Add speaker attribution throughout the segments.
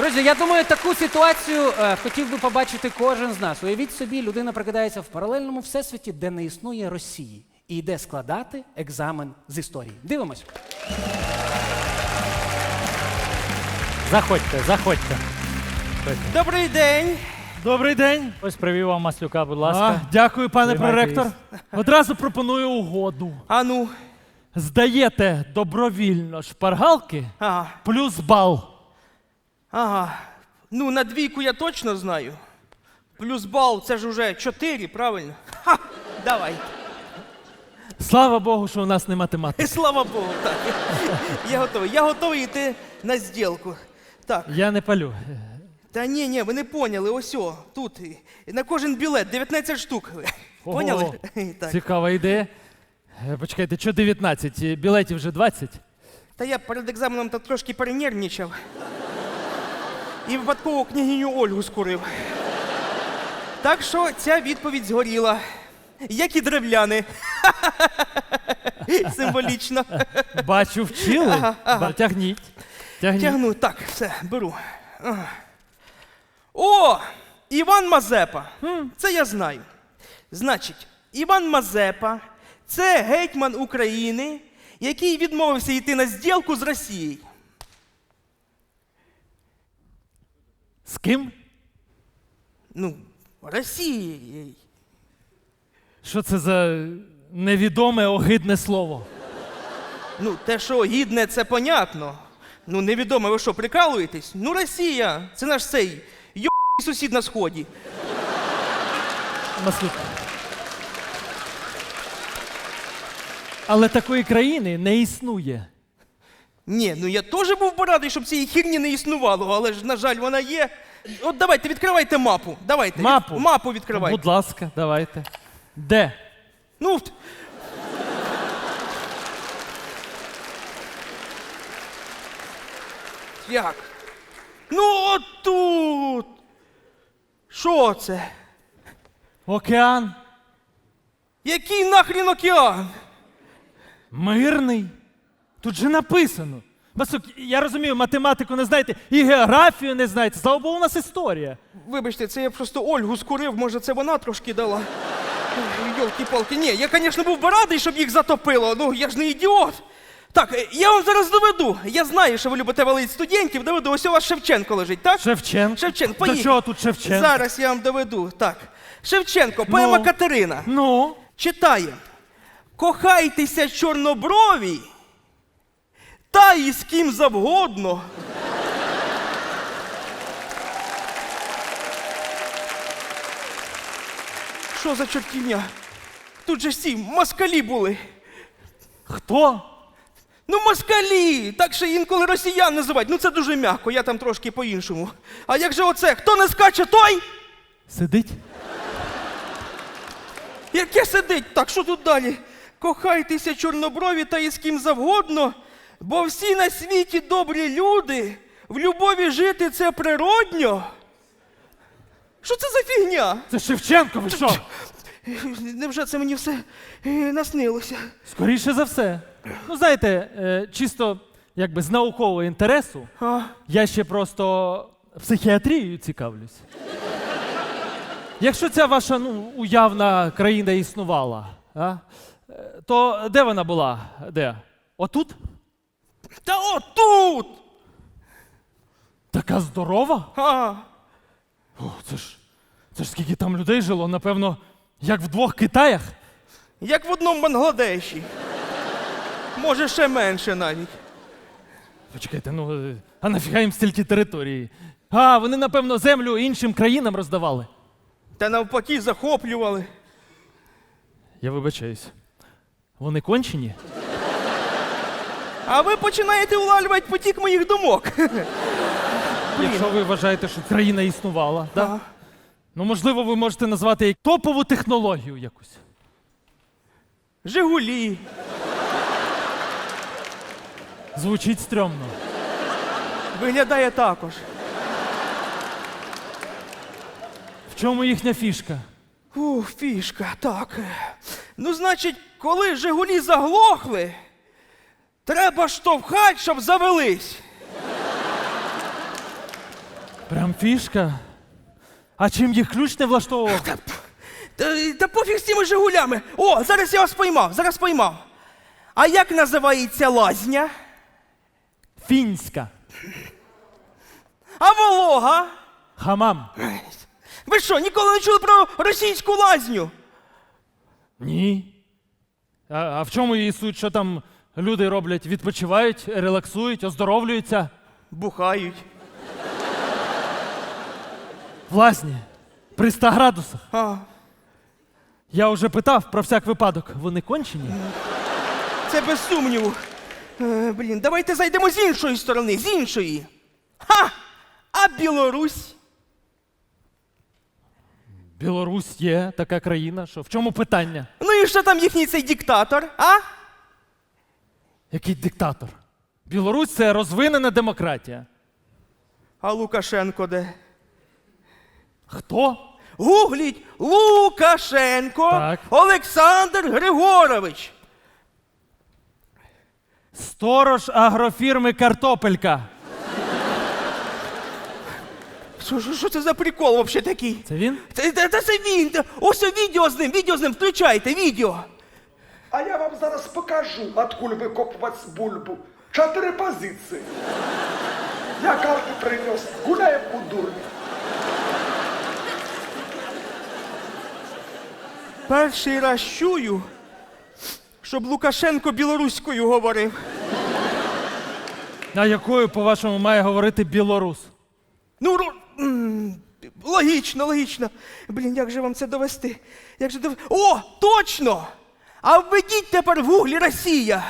Speaker 1: Друзі, я думаю, таку ситуацію хотів би побачити кожен з нас. Уявіть собі, людина прокидається в паралельному всесвіті, де не існує Росії, і йде складати екзамен з історії. Дивимось.
Speaker 2: Заходьте, заходьте.
Speaker 3: Добрий день.
Speaker 4: Добрий день.
Speaker 2: Ось привів вам Маслюка, будь ласка.
Speaker 4: Дякую, пане
Speaker 2: Тримайте
Speaker 4: проректор. Одразу пропоную угоду.
Speaker 3: А ну.
Speaker 4: Здаєте добровільно шпаргалки
Speaker 3: Ага.
Speaker 4: плюс бал.
Speaker 3: Ага. Ну, на двійку я точно знаю. Плюс бал, це ж уже 4, правильно? Ха! Давай.
Speaker 4: Слава Богу, що у нас не математика.
Speaker 3: Слава Богу, так. Я готовий. Я готовий йти на зділку. Так.
Speaker 4: Я не палю.
Speaker 3: Та ні, ви не поняли. Ось о, тут. На кожен білет 19 штук. Поняли?
Speaker 4: Ого,
Speaker 3: Так.
Speaker 4: Цікава ідея. Почекайте, що 19? Білетів вже 20?
Speaker 3: Та я перед екзаменом та трошки перенервничав. І випадково княгиню Ольгу скурив. Так що ця відповідь згоріла. Як і древляни. Символічно.
Speaker 4: Бачу, вчили. Тягніть. Тягніть.
Speaker 3: Тягну. Так, все, беру. Ага. О! Іван Мазепа. Це я знаю. Значить, Іван Мазепа – це гетьман України, який відмовився йти на зділку з Росією.
Speaker 4: З ким?
Speaker 3: Ну, Росією.
Speaker 4: Що це за невідоме огидне слово?
Speaker 3: Ну, те, що гідне, це понятно. Ну, невідомо, ви що, прикалуєтесь? Ну, Росія, це наш цей сусід на сході.
Speaker 4: Маслюк. Але такої країни не існує.
Speaker 3: Ні, ну я теж був би радий, щоб цієї хірні не існувало, але ж, на жаль, вона є. От давайте, відкривайте мапу. Давайте.
Speaker 4: Мапу?
Speaker 3: Мапу відкривайте.
Speaker 4: Будь ласка, давайте. Де?
Speaker 3: Ну, як? Ну, от тут. Що це?
Speaker 4: Океан.
Speaker 3: Який нахрін океан?
Speaker 4: Мирний. Тут же написано. Маслюк, я розумію, математику не знаєте, і географію не знаєте. Слава Богу, у нас історія.
Speaker 3: Вибачте, це я просто Ольгу скурив, може це вона трошки дала. Йолки-палки. Ні, я, звісно, був би радий, щоб їх затопило, ну я ж не ідіот. Так, я вам зараз доведу. Я знаю, що ви любите валити студентів, доведу. Ось у вас Шевченко лежить, так?
Speaker 4: Шевченко?
Speaker 3: Шевченко,
Speaker 4: До
Speaker 3: поїхали.
Speaker 4: чого тут Шевченко?
Speaker 3: Зараз я вам доведу. Так. Шевченко, поема
Speaker 4: Ну?
Speaker 3: Катерина.
Speaker 4: Ну?
Speaker 3: Читає. Кохайтеся чорноброві, та і з ким завгодно. Що за чортівня? Тут же всі москалі були.
Speaker 4: Хто?
Speaker 3: Ну, москалі! Так що інколи росіян називають. Ну, це дуже м'яко, я там трошки по-іншому. А як же оце? Хто не скаче, той?
Speaker 4: Сидить?
Speaker 3: Яке сидить? Так, що тут далі? Кохайтеся чорноброві та із ким завгодно, бо всі на світі добрі люди, в любові жити це природньо. Що це за фігня?
Speaker 4: Це Шевченко, ви що?
Speaker 3: Невже це мені все наснилося?
Speaker 4: Скоріше за все. Ну, знаєте, чисто якби з наукового інтересу,
Speaker 3: А?
Speaker 4: я ще просто психіатрією цікавлюсь. Якщо ця ваша уявна країна існувала, то де вона була? Де? Отут?
Speaker 3: Та отут!
Speaker 4: Така здорова?
Speaker 3: А,
Speaker 4: О, це ж скільки там людей жило, напевно, як в 2 Китаях.
Speaker 3: як в одному Бангладеші. Може, ще менше навіть.
Speaker 4: Почекайте, а нафіга їм стільки території? А, вони, напевно, землю іншим країнам роздавали.
Speaker 3: Та навпаки захоплювали.
Speaker 4: Я вибачаюсь. Вони кончені?
Speaker 3: А ви починаєте улавлювати потік моїх думок.
Speaker 4: Якщо ви вважаєте, що країна існувала, да?
Speaker 3: Ага.
Speaker 4: Ну, можливо, ви можете назвати як топову технологію якусь.
Speaker 3: Жигулі.
Speaker 4: Звучить стрьомно.
Speaker 3: Виглядає також.
Speaker 4: В чому їхня фішка?
Speaker 3: Фішка, так. Ну, значить, коли Жигулі заглохли, треба штовхати, щоб завелись.
Speaker 4: Прям фішка. А чим їх ключ не влаштовував?
Speaker 3: Та пофіг з цими Жигулями. О, зараз я вас поймав, зараз поймав. А як називається лазня?
Speaker 4: Фінська.
Speaker 3: А Волога?
Speaker 4: Хамам.
Speaker 3: Ви що, ніколи не чули про російську лазню?
Speaker 4: Ні. А в чому її суть? Що там люди роблять? Відпочивають, релаксують, оздоровлюються?
Speaker 3: Бухають.
Speaker 4: В лазні. При 100 градусах.
Speaker 3: А,
Speaker 4: Я вже питав про всяк випадок. Вони кончені?
Speaker 3: це без сумніву. Блін, давайте зайдемо з іншої сторони, з іншої. Ха! А Білорусь?
Speaker 4: Білорусь є така країна. Що? В чому питання?
Speaker 3: Ну і що там їхній цей диктатор, а?
Speaker 4: Який диктатор? Білорусь це розвинена демократія.
Speaker 3: А Лукашенко де?
Speaker 4: Хто?
Speaker 3: Гугліть Лукашенко
Speaker 4: Так.
Speaker 3: Олександр Григорович.
Speaker 4: Сторож агрофірми Картопелька.
Speaker 3: Що це за прикол взагалі такий?
Speaker 4: Це він?
Speaker 3: Це він. Ось відео з ним, включайте, відео.
Speaker 5: А я вам зараз покажу, откуль викопувати бульбу. 4 позиції. Я карти принес, гуляємо у дурні.
Speaker 3: Перший раз чую, щоб Лукашенко білоруською говорив.
Speaker 4: А якою, по-вашому, має говорити білорус?
Speaker 3: Ну, логічно, логічно. Блін, як же вам це довести? О, точно! А введіть тепер в гуглі Росія.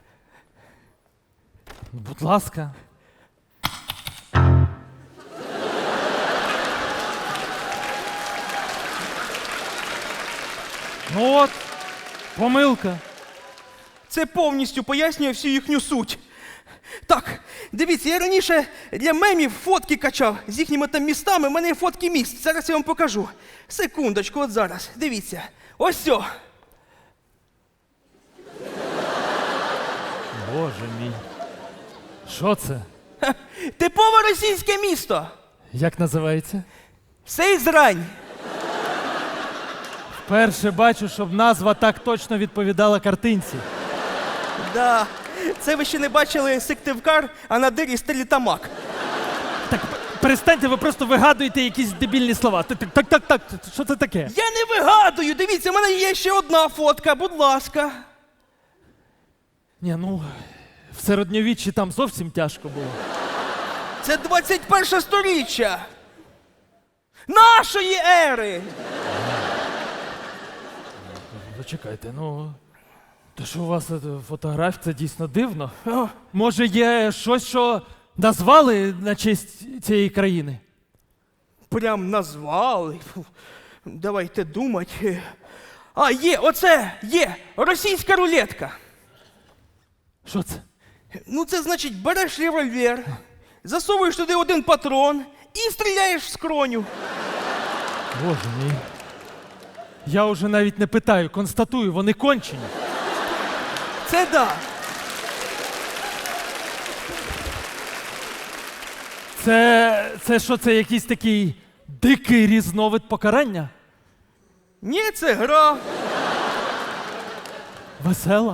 Speaker 4: Будь ласка. Ну от, помилка.
Speaker 3: Це повністю пояснює всю їхню суть. Так, дивіться, я раніше для мемів фотки качав з їхніми там містами. У мене є фотки міст. Зараз я вам покажу. Секундочку, от зараз. Дивіться. Ось все.
Speaker 4: Боже мій. Що це?
Speaker 3: Типове російське місто.
Speaker 4: Як називається?
Speaker 3: Сейзрань.
Speaker 4: Вперше бачу, щоб назва так точно відповідала картинці.
Speaker 3: Да. Це ви ще не бачили Сиктивкар, а на дирі Стерлітамак.
Speaker 4: Так, перестаньте, ви просто вигадуєте якісь дебільні слова. Так, що це таке?
Speaker 3: Я не вигадую. Дивіться, в мене є ще одна фотка, будь ласка.
Speaker 4: Ні, ну, в середньовіччі там зовсім тяжко було.
Speaker 3: Це 21 сторіччя. Нашої ери.
Speaker 4: Зачекайте, ну. Те, що у вас фотографія, це дійсно дивно.
Speaker 3: О,
Speaker 4: Може, є щось, що назвали на честь цієї країни?
Speaker 3: прям назвали. Фу. Давайте думати. А, є, оце, є, російська рулетка.
Speaker 4: Що це?
Speaker 3: Ну, це значить, береш револьвер, засовуєш туди один патрон і стріляєш в скроню.
Speaker 4: Боже мій. Я вже навіть не питаю, констатую, вони кончені.
Speaker 3: Це да.
Speaker 4: Це що, це якийсь такий дикий різновид покарання?
Speaker 3: Ні, це гра.
Speaker 4: Весела?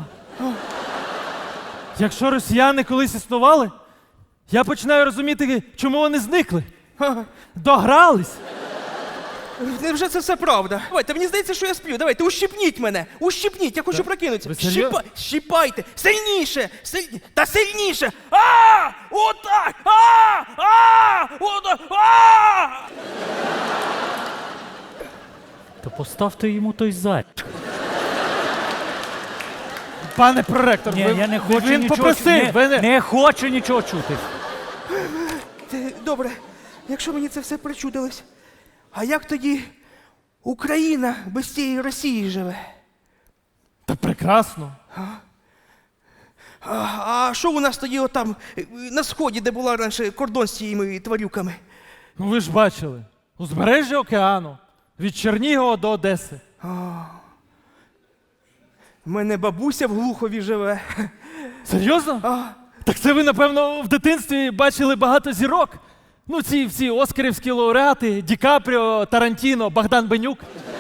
Speaker 4: Якщо росіяни колись існували, я починаю розуміти, чому вони зникли. Догрались.
Speaker 3: Невже це все правда? Давайте, мені здається, що я сплю. Давайте, ущипніть мене. Ущипніть, я хочу прокинутися.
Speaker 4: ви серйозно?
Speaker 3: Щипайте. Сильніше. Та сильніше. А! Отак! Отак!
Speaker 2: То поставте йому той зад.
Speaker 4: Пане проректор,
Speaker 2: Ні, я не хочу
Speaker 4: він
Speaker 2: нічого
Speaker 4: попросив.
Speaker 2: чути.
Speaker 4: ви
Speaker 2: Не хочу нічого чути.
Speaker 3: Добре, якщо мені це все причудилось, а як тоді Україна без цієї Росії живе?
Speaker 4: Та прекрасно.
Speaker 3: А що у нас тоді отам на сході, де була раніше кордон з цими тварюками?
Speaker 4: Ну ви ж бачили. Узбережжя океану. Від Чернігова до Одеси.
Speaker 3: У мене бабуся в Глухові живе.
Speaker 4: Серйозно? Так це ви, напевно, в дитинстві бачили багато зірок. Ну, ці всі оскарівські лауреати, Ді Капріо, Тарантіно, Богдан Бенюк.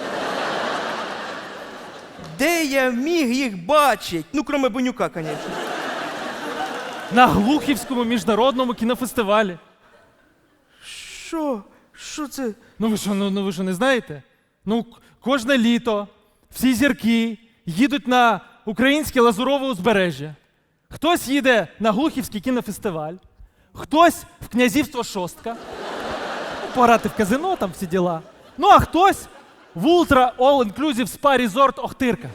Speaker 3: Де я міг їх бачити? Ну, кроме Бонюка, звісно.
Speaker 4: На Глухівському міжнародному кінофестивалі.
Speaker 3: Що? Що це?
Speaker 4: Ну ви що не знаєте? Ну, кожне літо всі зірки їдуть на українське лазурове узбережжя. Хтось їде на Глухівський кінофестиваль, хтось в князівство Шостка, ну, пограти в казино, там всі діла. Ну, а хтось в Ultra All Inclusive Spa Resort Охтирка.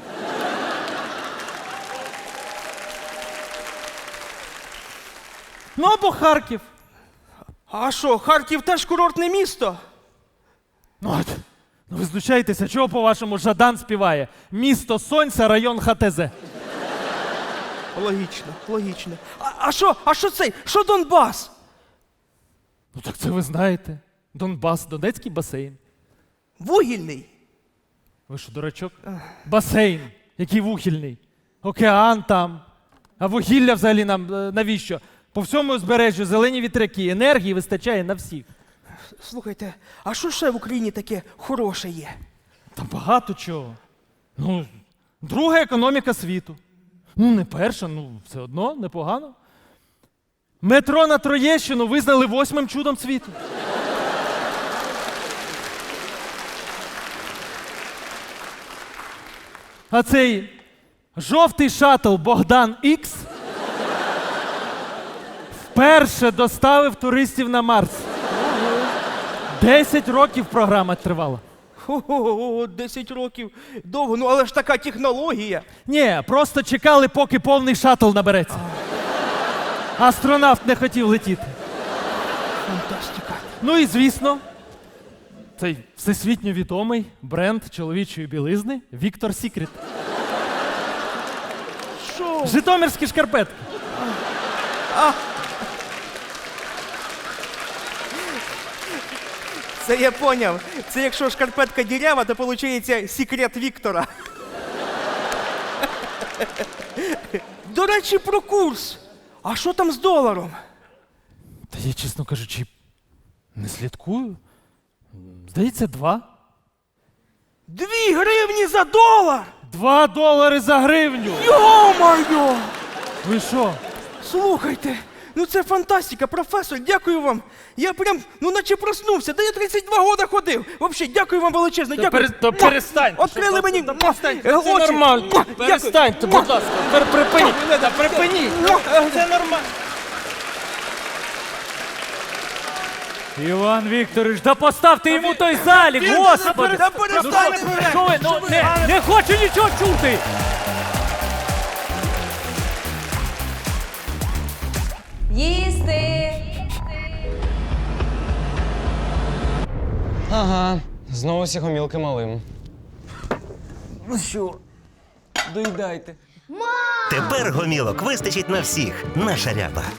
Speaker 4: Ну, або Харків.
Speaker 3: А що, Харків теж курортне місто?
Speaker 4: Ну, от, ну ви знущаєтеся, чого, по-вашому, Жадан співає? Місто Сонця, район ХТЗ.
Speaker 3: Логічно, логічно. А що цей? Що Донбас?
Speaker 4: Ну так це ви знаєте. Донбас, Донецький басейн.
Speaker 3: Вугільний.
Speaker 4: Ви що, дурачок? Басейн, який вугільний. Океан там. А вугілля взагалі нам навіщо? По всьому узбережжю зелені вітряки, енергії вистачає на всіх.
Speaker 3: Слухайте, а що ще в Україні таке хороше є?
Speaker 4: Та багато чого. Ну, друга економіка світу. Ну, не перша, ну все одно непогано. Метро на Троєщину визнали 8-м чудом світу. А цей жовтий шаттл Богдан Ікс вперше доставив туристів на Марс. 10 років програма тривала.
Speaker 3: Ого, 10 років. Довго, ну але ж така технологія.
Speaker 4: Ні, просто чекали, поки повний шаттл набереться. Астронавт не хотів летіти.
Speaker 3: Фантастика.
Speaker 4: Ну і звісно, цей всесвітньо відомий бренд чоловічої білизни Віктор Сікрет.
Speaker 3: Що?
Speaker 4: Житомирські шкарпетки.
Speaker 3: Це я поняв. Це якщо шкарпетка дірява, то виходить секрет Віктора. До речі, про курс. А що там з доларом?
Speaker 4: Та я, чесно кажучи, не слідкую. Здається, 2.
Speaker 3: 2 гривні за долар!
Speaker 4: 2 долари за гривню!
Speaker 3: Йо-моє!
Speaker 4: Ви що?
Speaker 3: Слухайте, ну це фантастика, професор, дякую вам. Я прям, ну наче проснувся, да я 32 года ходив. Вообще, дякую вам величезно, дякую.
Speaker 4: перестаньте.
Speaker 3: Открили мені
Speaker 4: Це
Speaker 3: очі.
Speaker 4: нормально.
Speaker 3: Дякую.
Speaker 4: Перестаньте, будь ласка. Припиніть. Припиніть. Це нормально.
Speaker 2: Іван Вікторович, да поставте йому той залік, господи!
Speaker 3: Та перестань!
Speaker 2: Що ви? Ну, не хочу нічого чути!
Speaker 6: Їсти!
Speaker 7: Ага, знову сігомілки малим. Ну що, доїдайте.
Speaker 8: Тепер гомілок вистачить на всіх. Наша ряба.